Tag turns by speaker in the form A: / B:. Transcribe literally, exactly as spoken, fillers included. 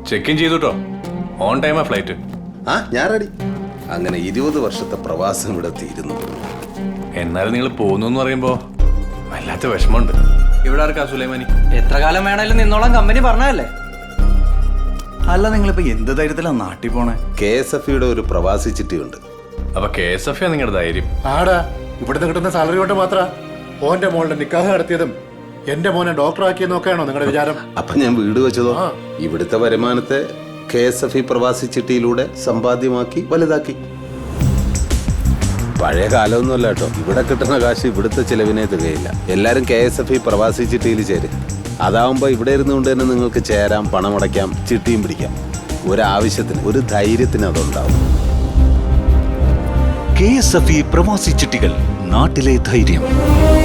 A: Check in ചെയ്തുട്ടോ. On ടൈമാ flight.
B: ആ ഞാൻ റെഡി. അങ്ങനെ ഇരുപത് വർഷത്തെ പ്രവാസം ഇവിടെ തീരുന്നു.
A: എന്നാലും നിങ്ങൾ പോകുന്നു എന്ന് പറയുമ്പോ വല്ലാത്ത വിഷമമുണ്ട്. ഇവിടെ ആർക്കാ സുലൈമാനി?
C: എത്ര കാലം വേണേലും നിന്നോളാം കമ്പനി പറഞ്ഞതല്ലേ.
D: അല്ല നിങ്ങളിപ്പോ എന്ത് ധൈര്യത്തിലാ നാട്ടിൽ പോണേ?
B: കെ എസ് എഫ് ഇയുടെ ഒരു പ്രവാസി ചിട്ടിയുണ്ട്.
A: അപ്പൊ കെ എസ് എഫ് നിങ്ങളുടെ ധൈര്യം?
E: ആടാ, ഇവിടുന്ന് കിട്ടുന്ന സാലറി കൊണ്ട് മാത്ര ഓന്റെ മോളുടെ നിക്കാഹ് നടത്തിയതും എന്റെ മോനെ ഡോക്ടറാക്കിയെന്നും ഒക്കെയാണോ നിങ്ങളുടെ വിചാരം?
B: അപ്പൊ ഞാൻ വീട് വെച്ചതോ ഇവിടുത്തെ വരുമാനത്തെ കെ എസ് എഫ് ഇ പ്രവാസി ചിട്ടിയിലൂടെ സമ്പാദ്യമാക്കി വലുതാക്കി. പഴയ കാലമൊന്നുമല്ല കേട്ടോ. ഇവിടെ കിട്ടുന്ന കാശ് ഇവിടുത്തെ ചിലവിനെ തികയില്ല. എല്ലാരും കെ എസ് എഫ് ഇ പ്രവാസി ചിട്ടിയിൽ ചേരും. അതാവുമ്പോ ഇവിടെ ഇരുന്നുകൊണ്ട് തന്നെ നിങ്ങൾക്ക് ചേരാം, പണമടയ്ക്കാം, ചിട്ടിയും പിടിക്കാം. ഒരാവശ്യത്തിന്, ഒരു ധൈര്യത്തിന് അതുണ്ടാവും.
F: കെ എസ് എഫ് ഇ പ്രവാസി ചിട്ടികൾ, നാട്ടിലെ ധൈര്യം.